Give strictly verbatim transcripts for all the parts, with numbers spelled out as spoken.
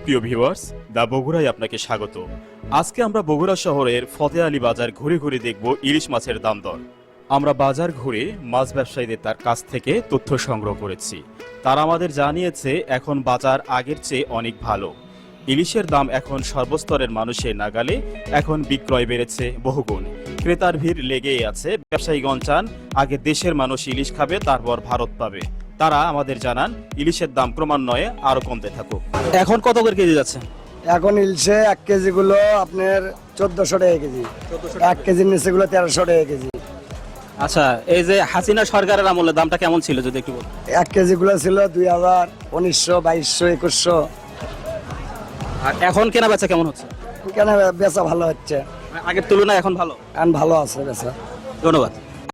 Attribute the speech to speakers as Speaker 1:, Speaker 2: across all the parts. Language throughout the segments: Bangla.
Speaker 1: সুপ্রিয় ভিউয়ার্স, দা বগুড়ায় আপনাকে স্বাগত। আজকে আমরা বগুড়া শহরের ফতে আলী বাজার ঘুরে ঘুরে দেখব ইলিশ মাছের দাম দর। আমরা বাজার ঘুরে মাছ ব্যবসায়ীদের তার কাছ থেকে তথ্য সংগ্রহ করেছি। তারা আমাদের জানিয়েছে এখন বাজার আগের চেয়ে অনেক ভালো। ইলিশের দাম এখন সর্বস্তরের মানুষের নাগালে, এখন বিক্রয় বেড়েছে বহুগুণ। ক্রেতার ভিড় লেগেই আছে। ব্যবসায়ীগণ চান আগে দেশের মানুষ ইলিশ খাবে, তারপর ভারত পাবে। তারা আমাদের জানান ইলিশের দাম ক্রমান্বয়ে আরো কমতে থাকুক। এখন কত করে কেজি যাচ্ছে?
Speaker 2: এখন ইলশে এক কেজি গুলো আপনার চোদ্দশো টাকা কেজি, এক কেজির নিচে গুলো তেরোশো টাকা কেজি।
Speaker 3: আচ্ছা, এই যে হাসিনা সরকারের আমলে দামটা কেমন ছিল যদি একটু বলতেন?
Speaker 2: এক কেজি গুলো ছিল দুই হাজার উনিশশো বাইশশো একুশশো।
Speaker 3: আর এখন কেনা বেচা কেমন হচ্ছে?
Speaker 2: কেন বেচা ভালো হচ্ছে,
Speaker 3: আগের তুলনায় এখন ভালো।
Speaker 2: এখন ভালো আছে বেচা।
Speaker 3: ধন্যবাদ।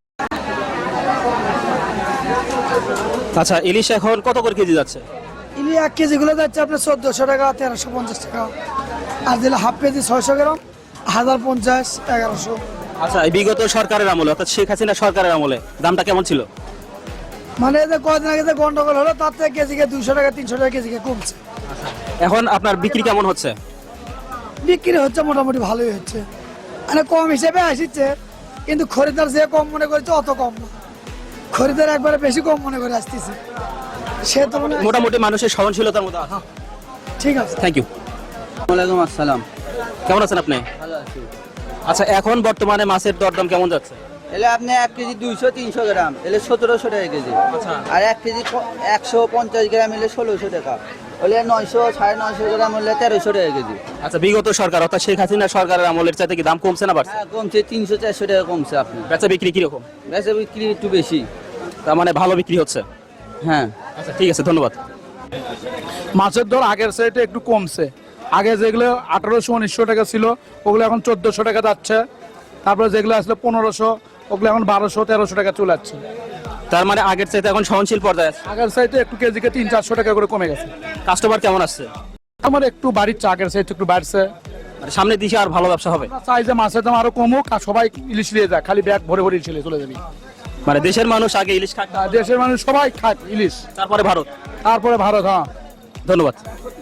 Speaker 3: আচ্ছা, ইলিশ এখন কত করে কেজি যাচ্ছে?
Speaker 4: ইলি এক কেজি গুলো যাচ্ছে আপনার চোদ্দশো টাকা, তেরোশো পঞ্চাশ টাকা। আর দিলে হাফ কেজি ছয়শো গ্রাম, হাজার পঞ্চাশ, এগারোশো।
Speaker 3: আচ্ছা, এই বিগত সরকারের আমলে অর্থাৎ শেখ হাসিনা সরকারের আমলে দামটা কেমন ছিল?
Speaker 4: মানে এই যে কদিন আগে যে গন্ডগোল হলো তার থেকে কেজিকে দুইশো টাকা তিনশো টাকা কেজিকে কমছে।
Speaker 3: এখন আপনার বিক্রি কেমন হচ্ছে?
Speaker 4: বিক্রি হচ্ছে মোটামুটি ভালোই হচ্ছে, মানে কম হিসেবে আসছে, কিন্তু খরিদার যে কম মনে করছে অত কম না, খরিদার একবারে বেশি কম মনে করে আসতেছে। সে তো মানে
Speaker 3: মোটামুটি মানুষের সহনশীলতার মধ্যে আছে।
Speaker 4: ঠিক আছে।
Speaker 3: Thank you.
Speaker 5: ওয়ালাইকুম আসসালাম।
Speaker 3: কেমন আছেন আপনি?
Speaker 5: ভালো আছি।
Speaker 3: আচ্ছা, এখন বর্তমানে মাছের দরদাম কেমন যাচ্ছে?
Speaker 5: এলে আপনি এক কেজি দুইশো তিনশো গ্রাম এলে সতেরোশো টাকা কেজি।
Speaker 3: আচ্ছা।
Speaker 5: আর এক কেজি প- একশো পঞ্চাশ গ্রাম এলে ষোলোশো টাকা। হলে নয়শো সাড়ে নয়শো গ্রাম হলে তেরোশো টাকা কেজি।
Speaker 3: আচ্ছা, বিগত সরকার অর্থাৎ শেখ হাসিনা সরকারের আমলের চাইতে কি দাম কমছে না বাড়ছে?
Speaker 5: হ্যাঁ, কমছে তিনশো চারশো টাকা কমছে আপনি।
Speaker 3: বেচা বিক্রি কিরকম?
Speaker 5: বেচা বিক্রি একটু বেশি।
Speaker 3: তার মানে ভালো বিক্রি হচ্ছে।
Speaker 5: হ্যাঁ।
Speaker 3: আচ্ছা, ঠিক আছে, ধন্যবাদ।
Speaker 6: মাছের দর আগের সাইডে একটু কমছে। আগে যেগুলো আঠারোশো উনিশশো টাকা ছিল ওগুলো এখন চোদ্দশো টাকা যাচ্ছে। তারপরে যেগুলো আসলে পনেরোশো ওগুলো এখন বারোশো তেরোশো টাকা চলে যাচ্ছে।
Speaker 3: তার মানে আগের চাইতে এখন সহনশীল পর্যায়ে আছে।
Speaker 6: আগের সাইডে একটু কেজিকে তিন চারশো টাকা করে কমে গেছে।
Speaker 3: কাস্টমার কেমন আসছে?
Speaker 6: আমার একটু বাড়ির আগের সাইড একটু বাড়ছে।
Speaker 3: মানে সামনের দিকে আর ভালো ব্যবসা হবে।
Speaker 6: আমরা চাই যে মাছের দাম আরো কমুক আর সবাই ইলিশ নিয়ে যায়, খালি ব্যাগ ভরে ভরে ইলিশ নিয়ে চলে যাবি।
Speaker 3: মানে দেশের মানুষ আগে ইলিশ খাক,
Speaker 6: আর দেশের মানুষ সবাই খায় ইলিশ,
Speaker 3: তারপরে ভারত।
Speaker 6: তারপরে ভারত। হ্যাঁ,
Speaker 3: ধন্যবাদ।